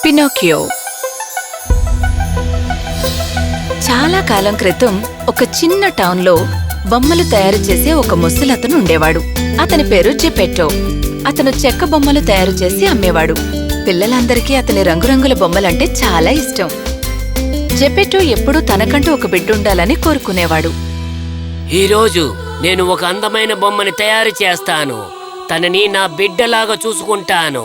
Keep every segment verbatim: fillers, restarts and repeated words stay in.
Pinocchio. చాలా కాలం క్రితం ఒక చిన్న టౌన్లో బొమ్మలు తయారు చేసే ఒక ముసలతను ఉండేవాడు. అతని పేరు జెపెట్టో. అతను చెక్క బొమ్మలు తయారు చేసి అమ్మేవాడు. పిల్లలందరికీ అతని రంగురంగుల బొమ్మలంటే చాలా ఇష్టం. జెపెట్టో ఎప్పుడూ తనకంటూ ఒక బిడ్డుండాలని కోరుకునేవాడు. ఈరోజు నేను ఒక అందమైన బొమ్మని తయారు చేస్తాను. తనని నా బిడ్డలాగా చూసుకుంటాను.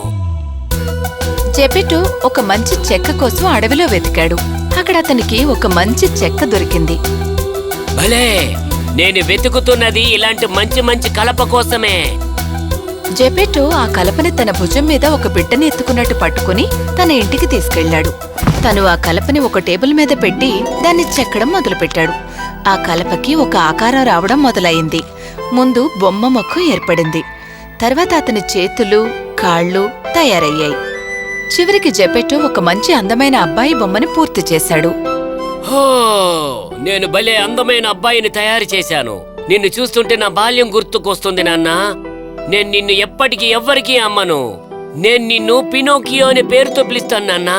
జెపెట్టో ఒక మంచి చెక్క కోసం అడవిలో వెతికాడు. అక్కడ అతనికి ఒక మంచి చెక్క దొరికింది. భలే, నేను వెతుకుతున్నది ఇలాంటి మంచి మంచి కలప కోసమే. జెపెట్టో ఆ కలపని తన భుజం మీద ఒక బిడ్డని ఎత్తుకున్నట్టు పట్టుకుని తన ఇంటికి తీసుకెళ్లాడు. తను ఆ కలపని ఒక టేబుల్ మీద పెట్టి దాన్ని చెక్కడం మొదలుపెట్టాడు. ఆ కలపకి ఒక ఆకారం రావడం మొదలయింది. ముందు బొమ్మ మొక్క ఏర్పడింది. తర్వాత అతని చేతులు, కాళ్ళు తయారయ్యాయి. చివరికి జెపెట్టో ఒక మంచి అందమైన అబ్బాయి బొమ్మని పూర్తి చేశాడు. హో, నేను భలే అందమైన అబ్బాయిని తయారు చేశాను. నిన్ను చూస్తుంటే నా బాల్యం గుర్తుకొస్తుంది నాన్నా. నేను నిన్ను ఎప్పటికీ ఎవ్వరికీ అమ్మను. నేను నిన్ను పినోకియో అనే పేరుతో పిలుస్తాను నాన్నా.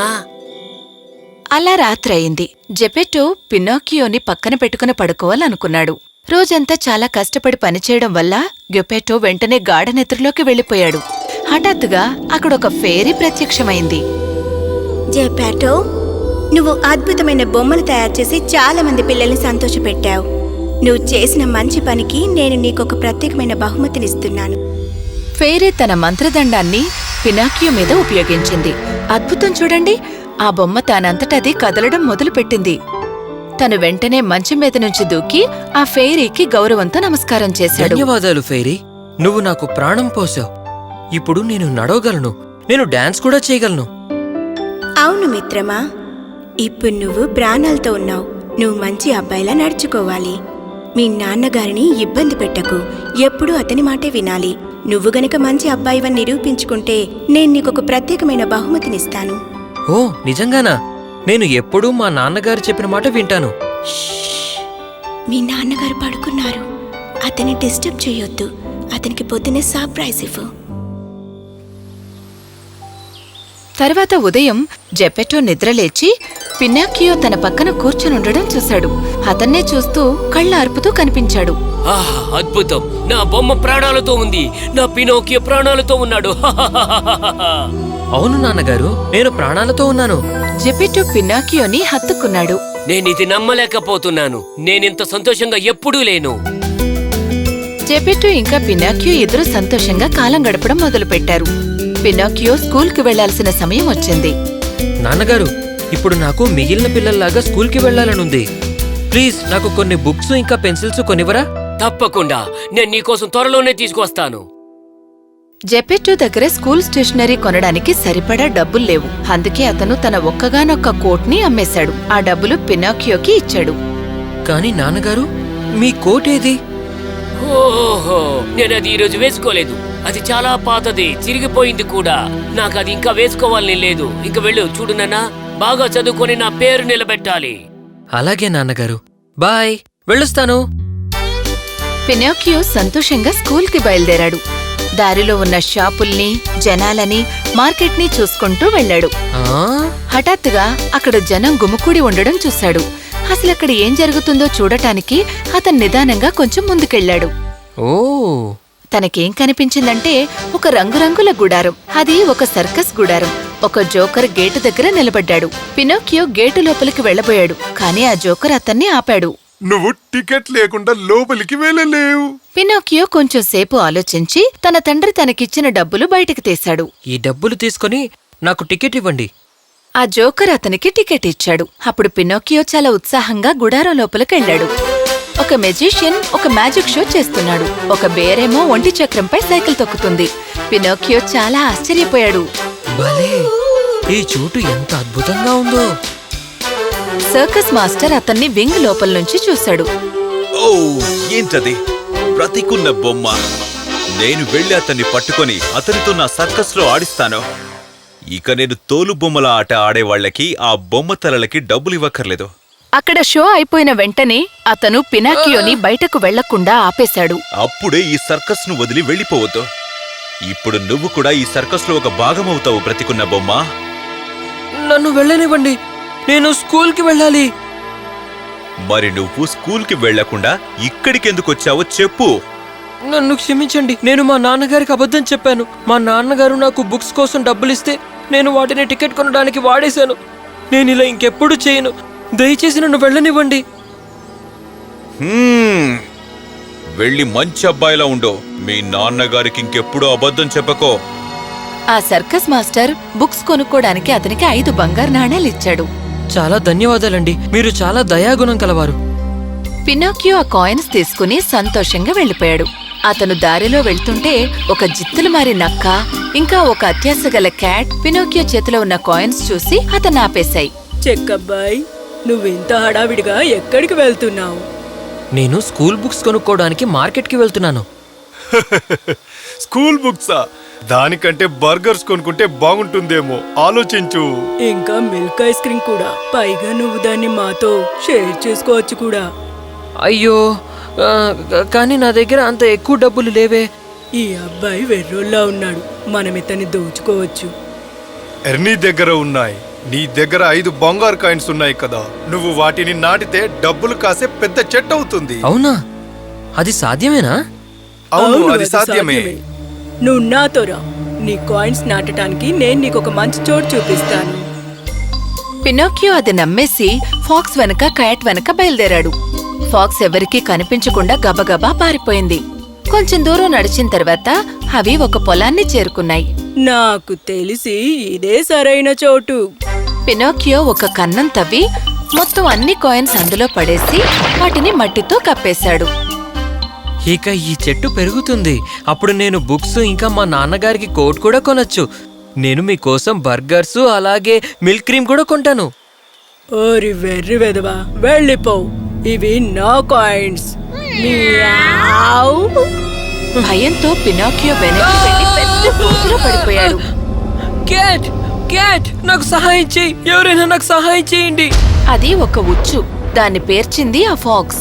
అలా రాత్రయింది. జెపెట్టో పినోకియోని పక్కన పెట్టుకుని పడుకోవాలనుకున్నాడు. రోజంతా చాలా కష్టపడి పనిచేయడం వల్ల జెపెట్టో వెంటనే గాఢ నిద్రలోకి వెళ్లిపోయాడు. హఠాత్తుగా అక్కడొక ఫేరీ ప్రత్యక్షమైంది. జెపెట్టో, నువ్వు అద్భుతమైన బొమ్మలు తయారు చేసి చాలా మంది పిల్లల్ని సంతోషపెట్టావు. నువ్వు చేసిన మంచి పనికి నేను నీకొక ప్రత్యేకమైన బహుమతినిస్తున్నాను. ఫేరీ తన మంత్రదండాన్ని పినోకియో మీద ఉపయోగించింది. అద్భుతం చూడండి, ఆ బొమ్మ తానంతటది కదలడం మొదలుపెట్టింది. తను వెంటనే మంచం మీద నుంచి దూకి ఆ ఫేరీకి గౌరవంతో నమస్కారం చేశాడు. ధన్యవాదాలు ఫేరీ, నువ్వు నాకు ప్రాణం పోసావు. ఇప్పుడు నేను నడవగలను, నేను డాన్స్ కూడా చేయగలను. అవును మిత్రమా, ఇప్పుడు నువ్వు ప్రాణాలతో ఉన్నావు. నువ్వు మంచి అబ్బాయిలా నడుచుకోవాలి. మీ నాన్నగారిని ఇబ్బంది పెట్టకు. ఎప్పుడూ అతని మాటే వినాలి. నువ్వు గనక మంచి అబ్బాయివని నిరూపించుకుంటే నేను నీకొక ప్రత్యేకమైన బహుమతినిస్తాను. ఓ నిజంగానా? నేను ఎప్పుడూ మా నాన్నగారు చెప్పిన మాట వింటాను. మీ నాన్నగారు పడుకున్నారు. అతన్ని డిస్టర్బ్ చేయొద్దు. అతనికి పొద్దునే సర్ప్రైజ్ ఇవ్వు. తర్వాత ఉదయం జెపెట్టో నిద్రలేచి పినోకియో తన పక్కన కూర్చునుండడం చూశాడు. అతన్నే చూస్తూ కళ్ళ అర్పుతూ కనిపించాడు. ఆహా, అద్భుతం! నా బొమ్మ ప్రాణాలతో ఉంది. నా పినోకియో ప్రాణాలతో ఉన్నాడు. అవును నాన్నగారు, నేను ప్రాణాలతో ఉన్నాను. జెపెట్టో పినోకియోని హత్తుకున్నాడు. నేనిది నమ్మలేకపోతున్నాను. నేనింత సంతోషంగా ఎప్పుడూ లేను. జెపెట్టో ఇంకా పినోకియో ఇద్దరు సంతోషంగా కాలం గడపడం మొదలుపెట్టారు. పినోకియో స్కూల్కి వెళ్లాల్సిన సమయం వచ్చింది. నాన్నగారు, ఇప్పుడు నాకు మిగిలిన పిల్లల్లాగా స్కూల్కి వెళ్లాలనుంది. ప్లీజ్ నాకు కొన్ని బుక్స్ ఇంకా పెన్సిల్స్ కొనివరా? తప్పకుండా, నేను నీకోసం త్వరలోనే తీసుకొస్తాను. జెపెట్టో దగ్గర స్కూల్ స్టేషనరీ కొనడానికి సరిపడా డబ్బుల్లేవు. అందుకే అతను తన ఒక్కగానొక్క కోట్ ని అమ్మేశాడు. ఆ డబ్బులు పినోకియోకి ఇచ్చాడు. కాని నాన్నగారు, మీ కోట్ ఏది? ఓహో, నేను అది ఈరోజు వేసుకోలేదు. అది చాలా పాతది, చిరిగిపోయింది కూడా. నాకు అది ఇంకా వేసుకోవాలని లేదు. ఇంక వెళ్ళు. చూడు నాన్నా, బాగా చదువుకొని నా పేరు నిలబెట్టాలి. అలాగే నాన్నగారు, బాయ్, వెళ్ళొస్తాను. పినోకియో సంతోషంగా స్కూల్కి బయలుదేరాడు. దారిలో ఉన్న షాపుల్ని, జనాలని, మార్కెట్ని చూసుకుంటూ వెళ్లాడు. ఆ? హఠాత్తుగా అక్కడ జనం గుమికూడి ఉండడం చూశాడు. అసలక్కడ ఏం జరుగుతుందో చూడటానికి అతను నిదానంగా కొంచెం ముందుకెళ్లాడు. ఓ, తనకేం కనిపించిందంటే ఒక రంగురంగుల గుడారం. అది ఒక సర్కస్ గుడారం. ఒక జోకర్ గేటు దగ్గర నిలబడ్డాడు. పినోకియో గేటు లోపలికి వెళ్లబోయాడు. కాని ఆ జోకర్ అతన్ని ఆపాడు. నువ్వు టికెట్ లేకుండా లోపలికి వెళ్ళలేవు. పినోకియో కొంచెం సేపు ఆలోచించి తన తండ్రి తనకిచ్చిన డబ్బులు బయటికి తీశాడు. ఈ డబ్బులు తీసుకొని నాకు టికెట్ ఇవ్వండి. ఆ జోకర్ అతనికి టికెట్ ఇచ్చాడు. అప్పుడు పినోకియో చాలా ఉత్సాహంగా గుడారం లోపలికెళ్లాడు. ఒక మెజిషియన్ ఒక మ్యాజిక్ షో చేస్తున్నాడు. ఒక బేరేమో ఒంటి చక్రంపై సైకిల్ తొక్కుతుంది. పినోకియో చాలా ఆశ్చర్యపోయాడు. భలే, ఈ చోటు ఎంత అద్భుతంగా ఉందో. సర్కస్ మాస్టర్ అతన్ని వింగ్ లోపల నుంచి చూశాడు. ఓ, ఏంటది? బ్రతికున్న బొమ్మ. నేను వెళ్ళి అతన్ని పట్టుకొని అతనితో నా సర్కస్ లో ఆడిస్తాను. ఇక నేను తోలు బొమ్మల ఆట ఆడేవాళ్లకి ఆ బొమ్మ తలలకి డబ్బులు ఇవ్వక్కర్లేదు. అక్కడ షో అయిపోయిన వెంటనే అతను పినాకియోని బయటకు వెళ్లకుండా ఆపేశాడు. అప్పుడే ఈ సర్కస్ ను వదిలి వెళ్ళిపోవద్దు. ఇప్పుడు నువ్వు కూడా ఈ సర్కస్ లో ఒక భాగమవుతావు బ్రతికున్న బొమ్మ. నన్ను వెళ్ళనివ్వండి. నేను స్కూల్కి వెళ్ళాలి. మరి నువ్వు స్కూల్కి వెళ్లకుండా ఇక్కడికెందుకు వచ్చావో చెప్పు. నన్ను క్షమించండి. నేను మా నాన్నగారికి అబద్ధం చెప్పాను. మా నాన్నగారు నాకు బుక్స్ కోసం డబ్బులిస్తే నేను వాటిని టికెట్ కొనడానికి వాడేశాను. నేను ఇలా ఇంకెప్పుడు చేయను. దయచేసి నన్ను వెళ్ళనివ్వండి. హ్మ్. వెళ్ళి మంచి అబ్బాయిలా ఉండు. మీ నాన్నగారికి ఇంకెప్పుడు అబద్ధం చెప్పకో. ఆ సర్కస్ మాస్టర్ బుక్స్ కొనుక్కోడానికి అతనికి ఐదు బంగారు నాణేలు ఇచ్చాడు. చాలా ధన్యవాదాలండి. మీరు చాలా దయాగుణం కలవారు. పినోకియో ఆ కాయిన్స్ తీసుకుని సంతోషంగా వెళ్ళిపోయాడు. అతను దారిలో వెళ్తుంటే ఒక జిత్తులు మారి నక్క ఇంకా ఒక అత్యాశ గల క్యాట్ పినోకియో చేతిలో ఉన్న కాయిన్స్ చూసి అతను ఆపేశాయి. చెక్కబ్బాయ్, నువ్వింత హడావిడిగా ఎక్కడికి వెళ్తున్నావు? నేను స్కూల్ బుక్స్ కొనుక్కోవడానికి మార్కెట్కి వెళ్తున్నాను. స్కూల్ బుక్సా? దానికంటే బర్గర్స్ కొనుక్కుంటే బాగుంటుందేమో, ఆలోచించు. ఇంకా మిల్క్ ఐస్ క్రీమ్ కూడా. పైగా నువ్వు దాన్ని మాతో షేర్ చేసుకోవచ్చు కూడా. అయ్యో, ఆ, కానీ నా దగ్గర అంత ఎక్కువ డబ్బులు లేవే. ఈ అబ్బాయి వెర్రోల్లా ఉన్నాడు. మనం ఇతన్ని దోచుకోవచ్చు. ఎర్నీ దగ్గర ఉన్నాయి. నీ దగ్గర ఐదు బంగారు కాయిన్స్ ఉన్నాయి కదా, నువ్వు వాటిని నాటితే డబ్బులు కాసే పెద్ద చెట్టు అవుతుంది. అవునా? అది సాధ్యమేనా? అవును, అవును, అది సాధ్యమే. నువ్వు నాతో రా. నీ కాయిన్స్ నాటడానికి నేను నీకు ఒక మంచి చోటు చూపిస్తాను. పినోకియో అది నమ్మేసి ఫాక్స్ వెనక క్యాట్ వెనక బయలుదేరాడు. ఫాక్స్ ఎవరికీ కనిపించకుండా గబగబా పారిపోయింది. కొంచెం దూరం నడిచిన తర్వాత అవి ఒక పొలాన్ని చేరుకున్నాయి. నాకు తెలిసి ఇదే సరైన చోటు. పినోకియో ఒక కన్నం తవ్వి మొత్తం అన్ని కాయిన్స్ అందులో పడేసి వాటిని మట్టితో కప్పేశాడు. ఇక ఈ చెట్టు పెరుగుతుంది. అప్పుడు నేను బుక్స్ ఇంకా మా నాన్నగారికి కోట్ కూడా కొనొచ్చు. నేను మీకోసం బర్గర్స్ అలాగే మిల్క్ క్రీమ్ కూడా కొంటాను. ఓరి వెర్రి వెదవా, వెళ్ళిపోవు. ఇవి నా కాయిన్స్. మియావ్. భయంతో పినోకియో వెనక్కి వెళ్లి పెద్ద గోతులో పడిపోయాడు. క్యాట్, క్యాట్, నాకు సహాయం చేయి. ఎవరైనా నాకు సహాయం చేయండి. అది ఒక ఉచ్చు. దాన్ని పేర్చింది ఆ ఫాక్స్.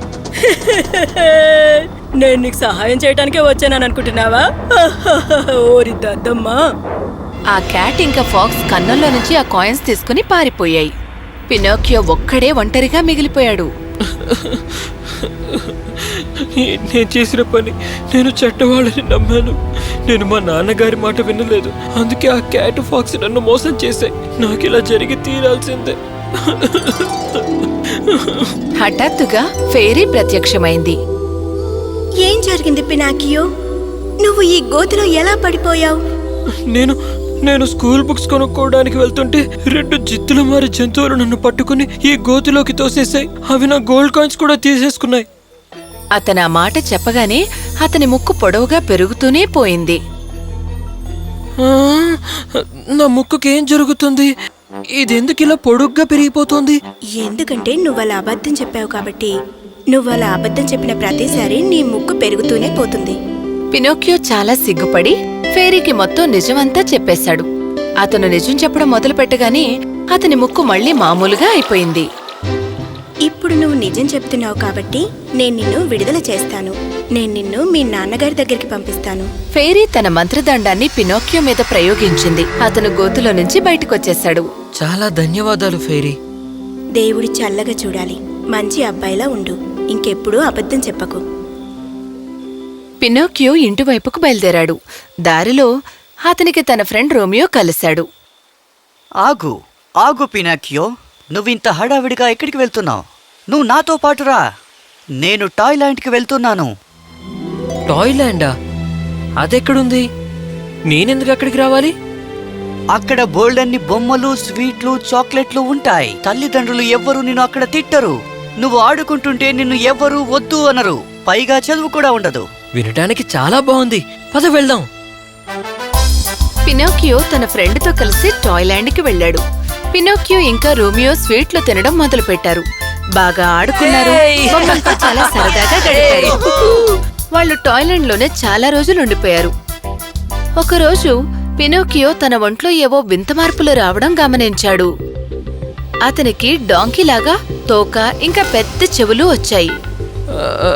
నేను నీకు సహాయం చేయటానికే వచ్చానని అనుకుంటున్నావా? ఓరి దద్దమ్మా. ఆ క్యాట్ ఇంకా ఫాక్స్ కన్నంలో నుంచి ఆ కాయిన్స్ తీసుకుని పారిపోయాయి. పినోకియో ఒక్కడే ఒంటరిగా మిగిలిపోయాడు. నేను చేసిన పని, నేను చెడ్డవాళ్ళని నమ్మాను. నేను మా నాన్నగారి మాట వినలేదు. అందుకే ఆ క్యాట్ ఫాక్స్ నన్ను మోసం చేశాయి. నాకు ఇలా జరిగి తీరాల్సిందే. హఠాత్తుగా ఫెయిరీ ప్రత్యక్షమైంది. ఏం జరిగింది పినాకియో? నువ్వు ఈ గోతిలో ఎలా పడిపోయావు? నేను నేను స్కూల్ బుక్స్ కొనుక్కోవడానికి వెళ్తుంటే రెండు జిత్తుల మారి జంతువులు నన్ను పట్టుకుని ఈ గోతిలోకి తోసేశాయి. అవి నా గోల్డ్ కాయిన్స్ కూడా తీసేసుకున్నాయి. అతను ఆ మాట చెప్పగానే అతని ముక్కు పొడవుగా పెరుగుతూనే పోయింది. ఆ, నా ముక్కుకేం జరుగుతుంది? ఇదెందుకు ఇలా పొడుగ్గా పెరిగిపోతుంది? ఎందుకంటే నువ్వు అలా అబద్ధం చెప్పావు కాబట్టి. నువ్వు అలా అబద్ధం చెప్పిన ప్రతిసారి నీ ముక్కు పెరుగుతూనే పోతుంది. పినోకియో చాలా సిగ్గుపడి ఫెయిరీకి మొత్తం నిజమంతా చెప్పేశాడు. అతను నిజం చెప్పడం మొదలు పెట్టగానే అతని ముక్కు మళ్లీ మామూలుగా అయిపోయింది. ఇప్పుడు నువ్వు నిజం చెప్తున్నావు కాబట్టి నేను నిన్ను విడుదల చేస్తాను. నేను నిన్ను మీ నాన్నగారి దగ్గరికి పంపిస్తాను. ఫెయిరీ తన మంత్రదండాన్ని పినోకియో మీద ప్రయోగించింది. అతను గోతులో నుంచి బయటకొచ్చేశాడు. చాలా ధన్యవాదాలు ఫెయిరీ. దేవుడి చల్లగా చూడాలి. మంచి అబ్బాయిలా ఉండు. ఇంకెప్పుడూ అబద్ధం చెప్పకు. పినోకియో ఇంటివైపుకు బయలుదేరాడు. దారిలో అతనికి తన ఫ్రెండ్ రోమియో కలిశాడు. ఆగు ఆగు పినాకియో, నువ్వింత హడావిడిగా ఎక్కడికి వెళ్తున్నావు? నువ్వు నాతో పాటు రా. నేను టాయ్లాండ్కి వెళ్తున్నాను. టాయ్లాండా? అదెక్కడుంది? నేనెందుకు అక్కడికి రావాలి? అక్కడ బోల్డన్ని బొమ్మలు, స్వీట్లు, చాక్లెట్లు ఉంటాయి. తల్లిదండ్రులు ఎవ్వరూ నిన్ను అక్కడ తిట్టరు. నువ్వు ఆడుకుంటుంటే నిన్ను ఎవ్వరూ వద్దు అనరు. పైగా చదువు కూడా ఉండదు. వినటానికి చాలా బాగుంది. పద వెళ్దాం. పినోకియో తన ఫ్రెండ్తో కలిసి టాయ్లాండ్కి వెళ్ళాడు. పినోకియో ఇంకా రోమియో స్వీట్లు తినడం మొదలుపెట్టారు. బాగా ఆడుకున్నారు. బొమ్మలతో చాలా సరదాగా గడిపారు. వాళ్ళు టాయ్లాండ్లోనే చాలా రోజులు ఉండిపోయారు. ఒకరోజు పినోకియో తన ఒంట్లో ఏవో వింత మార్పులు రావడం గమనించాడు. అతనికి డాంకీలాగా తోక ఇంకా పెద్ద చెవులు వచ్చాయి.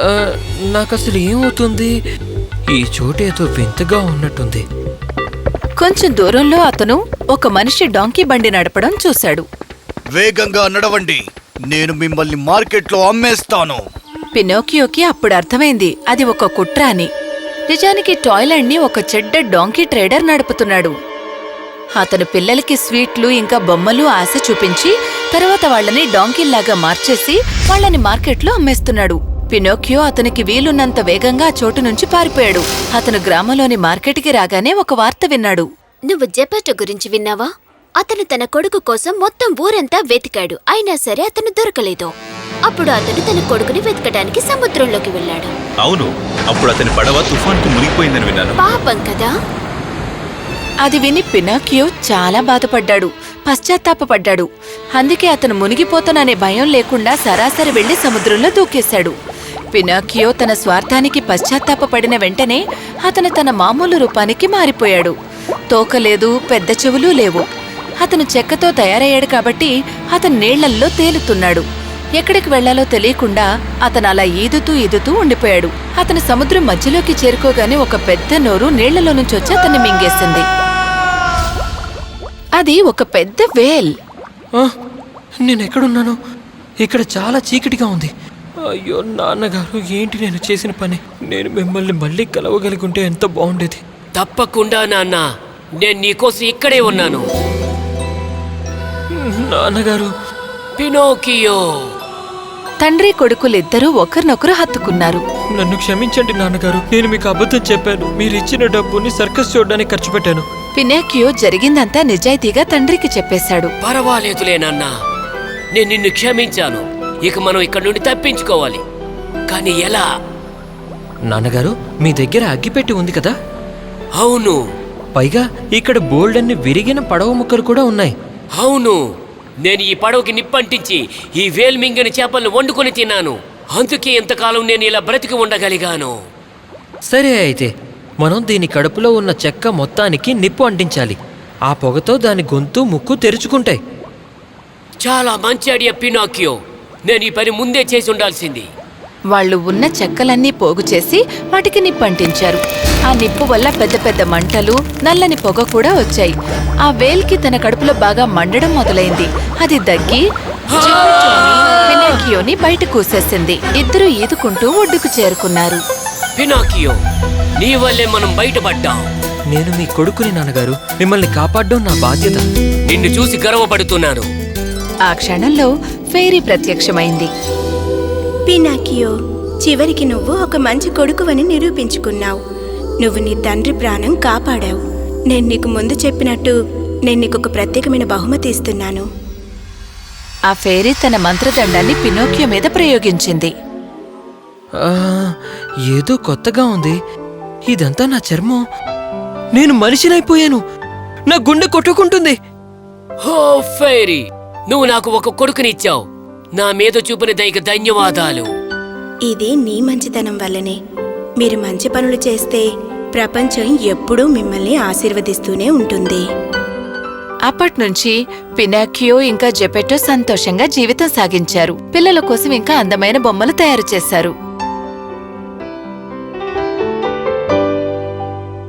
నాకసలు ఏమవుతుంది? ఈ చోటు ఏదో వింతగా ఉన్నట్టుంది. కొంచెం దూరంలో అతను ఒక మనిషి డాంకీ బండి నడపడం చూశాడు. వేగంగా నడవండి, నేను మిమ్మల్ని మార్కెట్లో అమ్మేస్తాను. పినోకియోకి అప్పుడు అర్థమైంది అది ఒక కుట్ర అని. నిజానికి టాయ్లాండ్ ని ఒక చెడ్డ డాంకీ ట్రేడర్ నడుపుతున్నాడు. అతను పిల్లలకి స్వీట్లు ఇంకా బొమ్మలు ఆశ చూపించి తర్వాత వాళ్ళని డాంకీల్లాగా మార్చేసి వాళ్ళని మార్కెట్లో అమ్మేస్తున్నాడు. పినోకియో అతనికి వీలున్నంత వేగంగా ఆ చోటు నుంచి పారిపోయాడు. అతను గ్రామంలోని మార్కెట్కి రాగానే ఒక వార్త విన్నాడు. నువ్వు జెపెటో గురించి విన్నావా? అతను తన కొడుకు కోసం మొత్తం ఊరంతా వెతికాడు, అయినా సరే అతను దొరకలేదు. అప్పుడు అతను తన కొడుకుని వెతకడానికి సముద్రంలోకి వెళ్ళాడు. అవును, అప్పుడు అతని పడవ తుఫాన్కు మునిగిపోయిందని విన్నాను. పాపం కదా. అది విని పినోకియో చాలా బాధపడ్డాడు, పశ్చాత్తాపపడ్డాడు. అందుకే అతను మునిగిపోతాననే భయం లేకుండా సరాసరి వెళ్లి సముద్రంలో దూకేశాడు. పినోకియో తన స్వార్థానికి పశ్చాత్తాపపడిన వెంటనే అతను తన మామూలు రూపానికి మారిపోయాడు. తోకలేదు, పెద్ద చెవులు లేవు. అతను చెక్కతో తయారయ్యాడు కాబట్టి అతను నీళ్లల్లో తేలుతున్నాడు. ఎక్కడికి వెళ్లాలో తెలియకుండా అతను అలా ఈదుతూ ఈదుతూ ఉండిపోయాడు. అతను సముద్రం మధ్యలోకి చేరుకోగానే ఒక పెద్ద నోరు నీళ్లలో నుంచి వచ్చి అతన్ని మింగేసింది. అది ఒక పెద్ద వేల్. ఆ, నేనెక్కడున్నాను? ఇక్కడ చాలా చీకటిగా ఉంది. అయ్యో నాన్నగారు, ఏంటి నేను చేసిన పని? నేను మిమ్మల్ని మళ్ళీ కలవగలిగుంటే ఎంత బాగుండేది. తప్పకుండా నాన్న, నేను నీకోసం ఇక్కడే ఉన్నాను. నాన్నగారు. పినోకియో. తండ్రి కొడుకులిద్దరూ ఒకరినొకరు హత్తుకున్నారు. నన్ను క్షమించండి నాన్నగారు, నేను మీకు అబద్ధం చెప్పాను. మీరు ఇచ్చిన డబ్బుని సర్కస్ చూడడానికి ఖర్చు పెట్టాను. పినోకియో జరిగిందంతా నిజాయితీగా తండ్రికి చెప్పేశాడు. పర్వాలేదులే నాన్న, నేను నిన్ను క్షమించాను. ఇక మనం ఇక్కడి నుండి తప్పించుకోవాలి. కానీ ఎలా? నాన్నగారు, మీ దగ్గర అగ్గిపెట్టి ఉంది కదా? అవును. పైగా ఇక్కడ బోల్డన్ని విరిగిన పడవ ముక్కలు కూడా ఉన్నాయి. అవును, నేను ఈ పడవకి నిప్పంటించి ఈ వేల్మింగని చేపలను వండుకొని తిన్నాను. అందుకే ఇంతకాలం నేను ఇలా బ్రతికి ఉండగలిగాను. సరే, అయితే మనం దీని కడుపులో ఉన్న చెక్క మొత్తానికి నిప్పు అంటించాలి. ఆ పొగతో దాని గొంతు, ముక్కు తెరుచుకుంటాయి. చాలా మంచి ఐడియా పినోకియో. నేను ఈ పని ముందే చేసి ఉండాల్సింది. వాళ్ళు ఉన్న చెక్కలన్నీ పోగు చేసి వాటికి నిప్పంటించారు. ఆ నిప్పు వల్ల పెద్ద పెద్ద మంటలు, నల్లని పొగ కూడా వచ్చాయి. ఆ వేల్కి తన కడుపులో బాగా మండడం మొదలైంది. అది దగ్గి పినోకియోని బయట కూసేసింది. ఇద్దరూ ఈదుకుంటూ ఒడ్డుకు చేరుకున్నారు. పినోకియో, నీ వల్లే మనం బయటపడ్డాం. నేను మీ కొడుకుని నాన్నగారు, మిమ్మల్ని కాపాడడం నా బాధ్యత. నిన్ను చూసి గర్వపడుతున్నాను. ఆ క్షణంలో ఫెయిరీ ప్రత్యక్షమైంది. పినాకియో, చివరికి నువ్వు ఒక మంచి కొడుకువని నిరూపించుకున్నావు. నువ్వు నీ తండ్రి ప్రాణం కాపాడావు. నేను నీకు ముందు చెప్పినట్టు నేను నీకు ఒక ప్రత్యేకమైన బహుమతి ఇస్తున్నాను. ఆ ఫెయిరీ తన మంత్రదండాన్ని పినోకియో మీద ప్రయోగించింది. ఆ, ఏదో కొత్తగా ఉంది. ఇదంతా నా చర్మం. నేను మనిషినైపోయాను. నా గుండె కొట్టుకుంటుంది. హో ఫెయిరీ, నువ్వు నాకు ఒక కొడుకునిచ్చావు. నా మీద చూపిన దయకు ధన్యవాదాలు. ఇది నీ మంచితనం వల్లనే. మీరు మంచి పనులు చేస్తే ప్రపంచం ఎప్పుడూ మిమ్మల్ని ఆశీర్వదిస్తూనే ఉంటుంది. అప్పట్నుంచి పినాకియో ఇంకా జెపెటో సంతోషంగా జీవితం సాగించారు. పిల్లల కోసం ఇంకా అందమైన బొమ్మలు తయారు చేశారు.